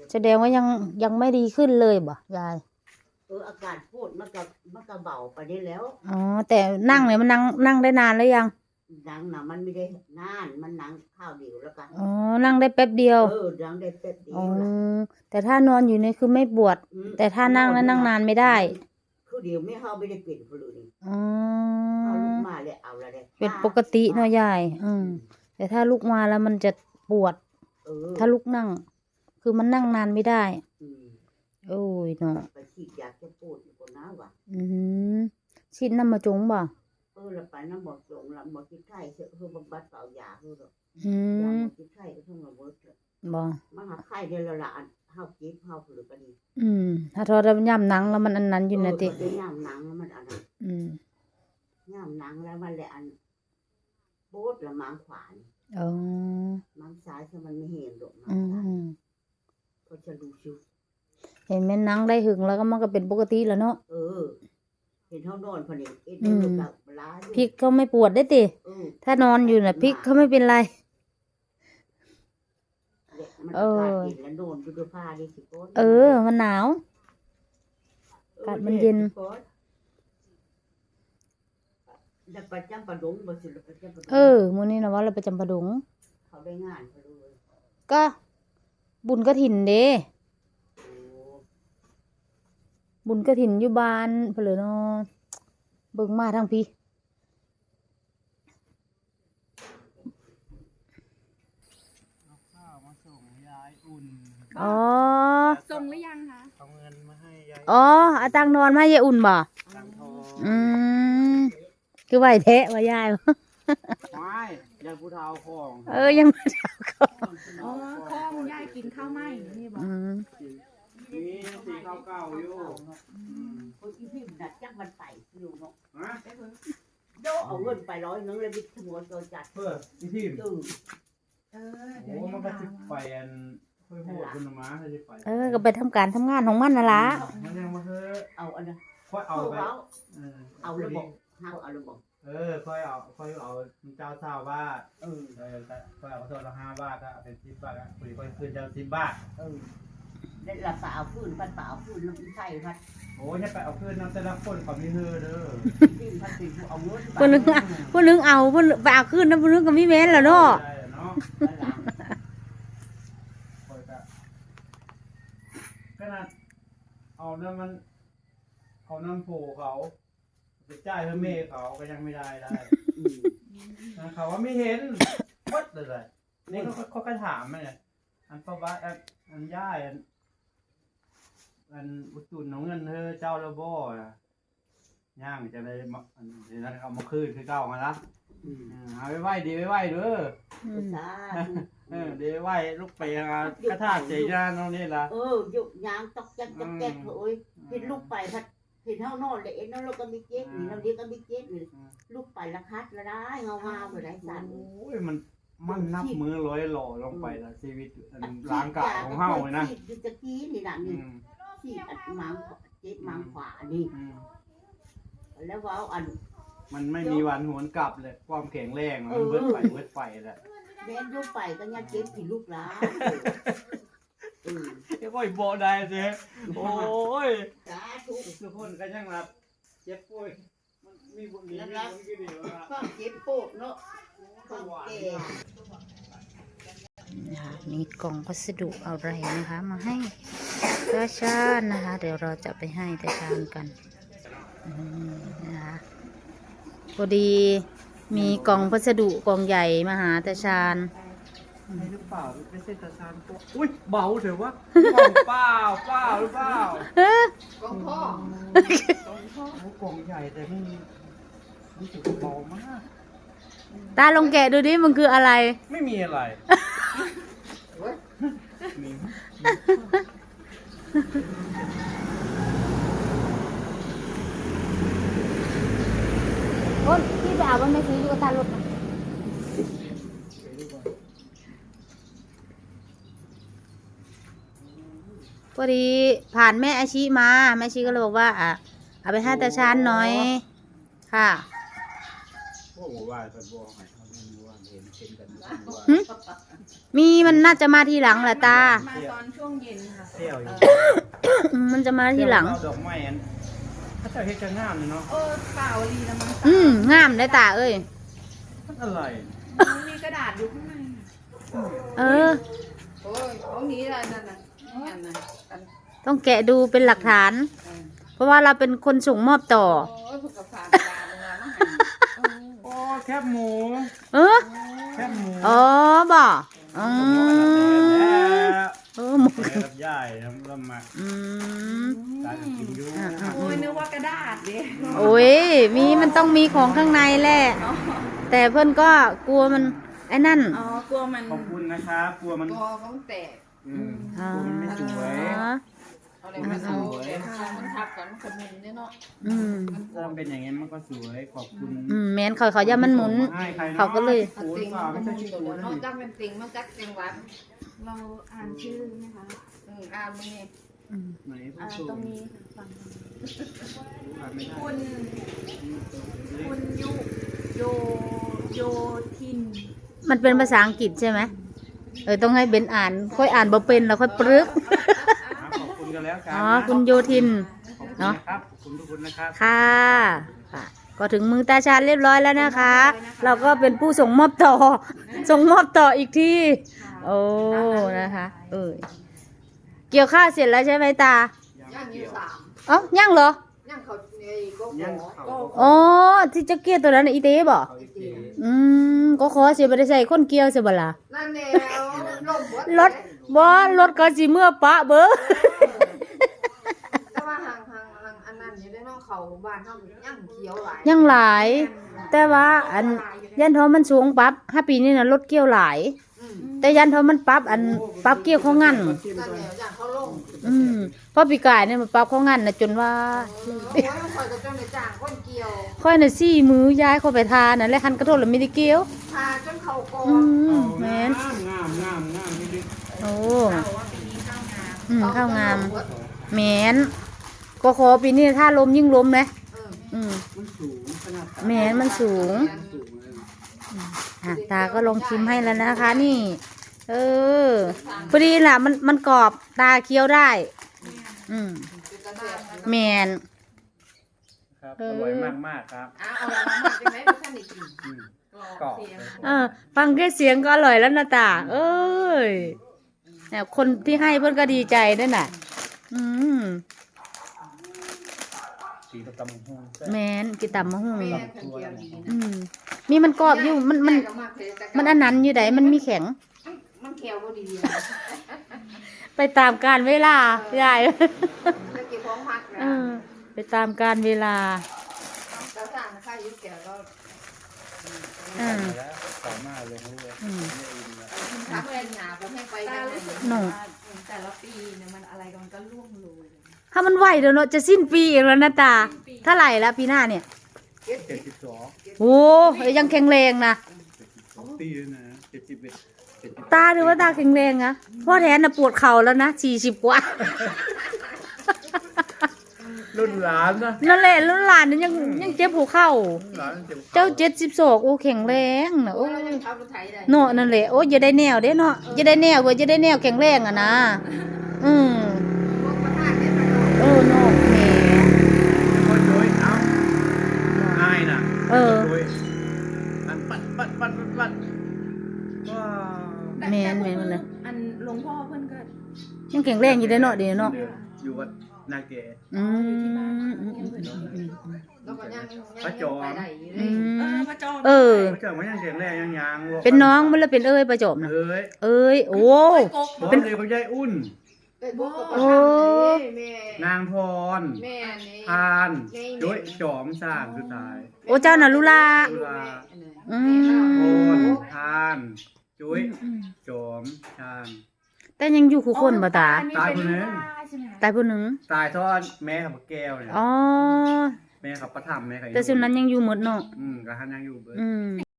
แสดงว่ายังไม่ดีขึ้นเลยบ่ยายอากาศพูดมันก็เบาไปได้แล้วอ๋อแต่นั่งเนี่ยมันนั่งได้นานแล้วยังนั่งน่ะมันไม่ได้นานมันนั่งข้าวเดียวแล้วกันอ๋อนั่งได้แป๊บเดียวนั่งได้แป๊บเดียวแต่ถ้านอนอยู่นี่คือไม่ปวดแต่ถ้านั่งแล้วนั่งนานไม่ได้คือเดียวไม่เข้าไม่ได้เป็นคนเลยอ๋อเอาลูกมาเลยเอาละเลยเป็นปกติเนาะยายแต่ถ้าลุกมาแล้วมันจะปวดถ้าลุกนั่งคือมันนั่งนานไม่ได้โอ้ยเนาะไปฉีดยาแก้ปวดอยู่คนน้าว่ะฉีดน้ำมาจงบ่แล้วไปน้ำบ่จงลำบ่ที่ไข้คือบำบัดเปล่ายาคือหรอกยาบ่ที่ไข้ก็ต้องมาเวิร์กบ่มาหาไข้เดี๋ยวละเฮาเจ็บเฮาหรือก็ดีถ้าทอดย่ำหนังแล้วมันอันนั้นอยู่นะติย่ำหนังแล้วมันอันนั้นย่ำหนังแล้วมันแหละอันโบดละมังขวานมังซ้ายถ้ามันไม่เห็นหรอกมังซ้ายก็จะดูชิวเห็นแม่นังได้หึงแล้วก็มันก็เป็นปกติแล้วเนาะเห็นเขานอนพอดีพริกเขาไม่ปวดได้ติถ้านอนอยู่น่ะพริกเขาไม่เป็นไรมันแล้วโดนดูผ้าดิสิโก้มันหนาวอากาศมันเย็นประจำปะดงบ่สิประจำปะดงมื้อนี้นะว่าเราประจำปะดงเขาได้งานเขาเลยก็บุญกฐินเด้บุญกฐินอยู่บ้านเพิ่นเลยเนาะเบิ่งมาทางพี่ข้าวมาส่งยายอุ่นส่งหรือยังคะเอาเงินมาให้ยายเอาตังนอนมาให้ยายอุ่นบ่ตังทองคือไหวแท้ว่ายายไม่ยังผู้เฒ่าของยังผู้เฒ่าของข้องยายกินข้าวไหมนี่บอกนี่สีข้าวเก่าอยู่คนที่พิมพ์ดัดจักมันไปอยู่เนาะโดเอาเงินไป100นึงเลยบิดขโมยตัวจัดที่พิมพ์มันก็จะไปอันค่อยโหดคุณมาให้ไปก็ไปทำการทำงานของมันน่ะล่ะมันยังมาเอาอันนั้นค่อยเอาไปเอาระบบเอาระบบค่อยเอาเจ้า3 บาทค่อยเอาโซนละ5 บาทก็เป็น10 บาทคุยค่อยคืนเจ้า10 บาทแล้วเราเปล่าฟื้นพัดเปล่าฟื้นน้ำใส่พัดโอ้ยไปเอาคืนน้ำแต่ละคนเขามีเฮอเด้อพัดติดเอาเงินผู้นึงเอาผู้ไปเอาคืนนะผู้นึงก็มีแม่นแล้วเนาะขนาดเอาน้ำมันเอาน้ำโผเขาไปจ่ายเพื่อเมย์เขาก็ยังไม่ได้เขาว่าไม่เห็นวัดเลยนี่เขาก็ถามมาเนี่ยอันพ่อบ้านอันย่ายอันอุตุนน้องเงินเธอเจ้าระบ่ย่างจะได้เดี๋ยวนั้นเอามาคืนคือเก่ามาละเอาไว้ไหวดีไว้ไหวเด้อเดี๋ยวไหวลูกไปกระทาใจย่านน้องนี่ละยุกยางตอกแจ๊กโอ้ยเห็นลูกไปพัดเห็นเท่านอนเลยน้องเราก็มีเจ๊กนี่เราเดียวก็มีเจ๊กนี่ลูกไปละคัดละได้เงาๆเลยสั่นโอ้ยมันนับมือร้อยหล่อลงไปละชีวิตร่างกายของเฮาเลยนะที่ตะกี้นี่ด่านนี่ที่มังเจ๊กมังขวานี่แล้วว่าอันมันไม่มีวันหวนกลับเลยความแข็งแรงมันเบิดไฟแหละแม่ลูกไปก็ยัดเจ๊กผิดลูกล้าก็อีโบได้เจ๊โอ้ยทุกคนก็ยังรับเจ็บป่วยมันมีบุญนี้มีบุญกี่เดียวนะความเจ็บปวดเนาะมีกล่องพัสดุอะไรนะคะ มาให้ตาชาญนะคะเดี๋ยวเราจะไปให้ตาชาญกันนะคะพอดีมีกล่องพัสดุกล่องใหญ่มาหาตาชาญไม่หรือเปล่าไม่ใช่ตาชาญตัวอุ้ยเบาเถอะวะเปล่าหรือเปล่ากล่องพ่อกล่องใหญ่แต่ไม่รู้สึกเบามากตาลองแกะดูดิมันคืออะไรไม่มีอะไรคนที่ไปเอามันไม่ซื้ออยู่กับตาลดนะพอดีผ่านแม่อาชีมาแม่อาชีก็เลยบอกว่าเอาไปให้ตาชาญหน่อยค่ะพวกว่าท่านบอกให้เขาไม่รู้ว่าเห็นหึมีมันน่าจะมาทีหลังแหละตามาตอนช่วงเย็นค่ะเที่ยวอยู่มันจะมาทีหลังเอาดอกไม้อันถ้าเจ้าเฮ็ดจะงามเลยเนาะเปล่าลีละมั้งงามได้ตาเอ้ยมันอะไรมันมีกระดาษอยู่ข้างในเออโอ้ยของนี้อะไรนั่นน่ะอันนั้นอันต้องแกะดูเป็นหลักฐาน เพราะว่าเราเป็นคนส่งมอบต่อโอ้ยผูกกับฝากกระดาษเลยนะมาให้โอ้แคบหมูเออแคบหมูอ๋อบ่อืมหมูแม่กับยายน้ำละมาอืมตาจะกินอยู่โอ้ยนึกว่ากระดาษดิโอ้ยมันต้องมีของข้างในแหละ แต่เพื่อนก็กลัวมันไอ้นั่นอ๋อกลัวมันขอบคุณนะครับกลัวมันตัวของแตกกลัวมันไม่สวยเอาอะไรมาเอาแต่มันทับกันมันขมุนเนี่ยเนาะอืมถ้ามันเป็นอย่างงี้มันก็สวยขอบคุณแมนเขาอย่ามันหมุนให้ใครนะเขาก็เลยเอาติงมันมุนตัวเนาะจักเป็นติงมันจักเสียงหวานเราอ่านชื่อไหมคะอ่านนี่ไหนผู้ชตรมงนี้ฟังอ่านไม่ได้คุณโยโยทินมันเป็นภาษาอังกฤษใช่ไหมต้องให้เบนอ่าน ค่อยอ่านบ่เป็นแล้วค่อยปรึกขอบคุณกันแล้วกันอ๋อคุณโยทินขอบคุณนะครับขอบคุณทุกคนนะครับค่ะค่ะ ก็ถึงมือตาชาญเรียบร้อยแล้วนะคะ เราก็เป็นผู้ส่งมอบต่อ ส่งมอบต่ออีกที่ โอ้ นะคะ เกี่ยวข้าวเสร็จแล้วใช่ไหมตาย่างอยู่สามอ๋อย่างเหรอย่างเขาไอ้ก็ยังขอเขาอ๋อ ที่จะเกี่ยวตัวนั้นน่ะอีเต้บ่เขาอีกทีก็ขอเสียบ่ได้ใส่คนเกี่ยวเสียบ่ล่ะนั่นแหละลมรถบ่รถก็สิเมื่อปะเบ้อแต่ว่าห่างอันนั้นอยู่ได้เนาะเขาบ้านเขาย่างเขียวหลายยังหลาย แต่ว่าอันยันทอมันสูงปรับ5 ปีนี่น่ะรถเกี่ยวหลาย แต่ยันทอมันปรับปรับเกี่ยวเขางั้นนั่นแหละอย่างเขาลงเพราะปีกายเนี่ยมันปรับเขางั้นน่ะจนว่าโอ้ยมันคอยกับเจ้าในจ้างคนเกี่ยวค่อยน่ะซี่มือย้ายเข้าไปทานั่นแหละคันกระโดดแล้วไม่ได้เกี่ยวพาจนเขาโกงแม่นงามนี่ดิโอ้เราว่าปีนี้ข้าวงามข้าวงามแม่นก็ขอปีนี้ถ้าลมยิ่งลมนะอืมมันสูงขนาดแม่นมันสูงสูงเลยตาก็ลองชิมให้แล้วนะคะ นี่ พอดีล่ะมันกรอบตาเคี้ยวได้ แมนครับอร่อยมากครับเอาละมาจังไหนไม่ทันได้กินกรอบฟังแค่เสียงก็อร่อยแล้วนะตา เอ้ยเนี่ยคนที่ให้เพื่อนก็ดีใจด้วยน่ะสีตะกำห้องแมนกินตำมะฮุ่งแม่คนเกี่ยวดีนะมีมันกรอบอยู่มันอันนั้นอยู่ไหนมันมีแข็งมันเขียวก็ดีไปตามการเวลายายจะเก็บของพักนะไปตามการเวลาแล้วสั่งข้าวยุบแก่ก็แล้วสามารถลงเลยพักเล่นหนาผมให้ไปตาได้รู้สึกหนูว่าแต่ละปีเนี่ยมันอะไรกันก็ล่วงโรยเลยถ้ามันไหวเดี๋ยวเนาะจะสิ้นปีอีกแล้วนะตาเท่าไหร่แล้วปีหน้าเนี่ย 72 โอ้ยังแข็งแรงนะปีนะ71 ตาดูว่าตาแข็งแรงนะพ่อแทนน่ะปวดเข่าแล้วนะ40 กว่ารุ่นหลานนะนั่นแหละแล้วหลานนั้นยังเจ็บหัวเข่าหลานเจ็บเจ้า72โอ้แข็งแรงนะโอ้โอ้ยเรายังทำรถไถได้เนาะนั่นแหละโอ้จะได้แนวเด้เนาะจะได้แนวก็จะได้แนวแข็งแรงอ่ะนะพวกมาทานได้มาโดนเนาะแหมคนโดยเอาอายน่ะเออโดยอันปัดว้าแม่นมันเลยอันหลวงพ่อเพิ่นก็ยังแข็งแรงอยู่ได้เนาะเดี๋ยวเนาะอยู่วัดนาเกอืมแล้วก็ยังพระจอมไปได้อยู่เลอืยมพระจอมเออพระเจ้ามันยังแข็งแรงยังยางเป็นน้องมันแล้วเป็นเอ้ยประจบนะเอ้ยเอ้ยโอ้เป็นเลยพระยายอุ่นเป็นพวกกับโอ้แม่นางพรแม่นี่ทานด้วยจอมสร้างสุดท้ายโอ้เจ้าน่ะลุลาตุลาอืโอมนทานจุ้ยจอมชานแต่ยังอยู่คู่คนบ่ตาตายคนนึงตายผู้หนึ่งตายทอดแม่ขับแก้วเนี่ยอ๋อแม่ขับประทับแม่ขับแต่ส่วนนั้นยังอยู่หมดเนาะกระหันยังอยู่เบิดอืม